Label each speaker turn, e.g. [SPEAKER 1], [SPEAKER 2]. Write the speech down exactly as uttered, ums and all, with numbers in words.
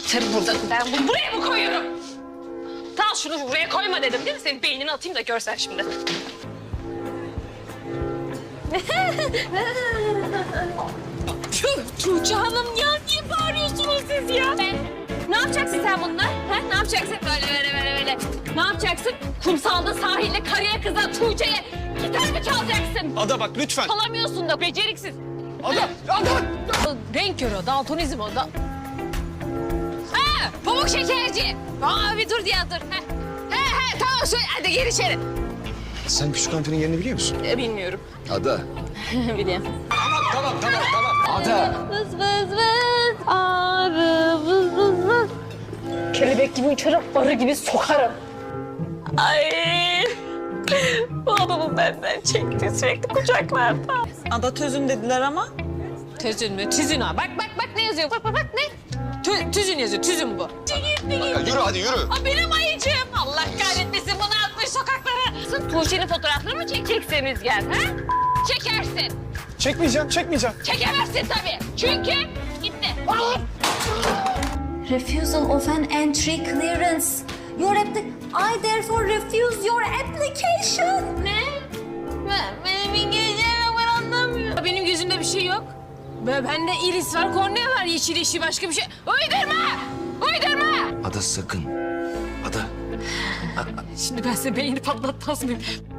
[SPEAKER 1] Atarım buradan. Ben bunu buraya mı koyuyorum? Tamam şunu buraya koyma dedim değil mi? Senin beynini atayım da görsen şimdi. Tuğçe Hanım ya niye bağırıyorsunuz siz ya? Ben, ne yapacaksın sen bununla? Ha? Ne yapacaksın böyle böyle böyle böyle? Ne yapacaksın? Kumsalda sahilde karıya kıza Tuğçe'ye gitar mı çalacaksın?
[SPEAKER 2] Ada bak lütfen.
[SPEAKER 1] Çalamıyorsun da beceriksiz.
[SPEAKER 2] Ada, Ada.
[SPEAKER 1] Renk körü o, daltonizm o da. Ha, pamuk şekerci. Aa bir dur diye dur. Ha. He he tamam söyle hadi gir içeri.
[SPEAKER 2] Sen küçük hanımefendinin yerini biliyor musun?
[SPEAKER 1] E, bilmiyorum.
[SPEAKER 2] Ada.
[SPEAKER 1] Biliyorum.
[SPEAKER 2] Tamam, tamam, tamam, tamam. Ada.
[SPEAKER 1] Vız vız vız arı vız vız vız. Kelebek gibi uçarım, arı gibi sokarım. Ay. Bu adamın benden çekti sürekli kucaklarda.
[SPEAKER 3] Ada tözün dediler ama.
[SPEAKER 1] Tüzün mü? Tüzün ha. Bak bak bak ne yazıyor? Bak bak bak ne? Tü, tüzün yazıyor. Tüzün bu.
[SPEAKER 2] Ya yürü hadi yürü.
[SPEAKER 1] Aa, benim ayıcığım. Allah kahretmesin bunu atmış sokaklara. Sırf Tuğçe'nin fotoğraflarını mı çekeceksin Rüzgar? Ha? Çekersin.
[SPEAKER 2] Çekmeyeceğim, çekmeyeceğim.
[SPEAKER 1] Çekemezsin tabii. Çünkü gitti.
[SPEAKER 4] Refusal of an entry clearance. Your appli- I therefore refuse your application.
[SPEAKER 1] Ne? Ben, benim İngilizcem ben anlamıyorum. Benim gözümde bir şey yok. Ben, bende iris var, kornea var, yeşil yeşil başka bir şey. Uydurma! Uydurma!
[SPEAKER 2] Ada sakın. Ada.
[SPEAKER 1] Şimdi ben size beynini patlatmaz mıyım?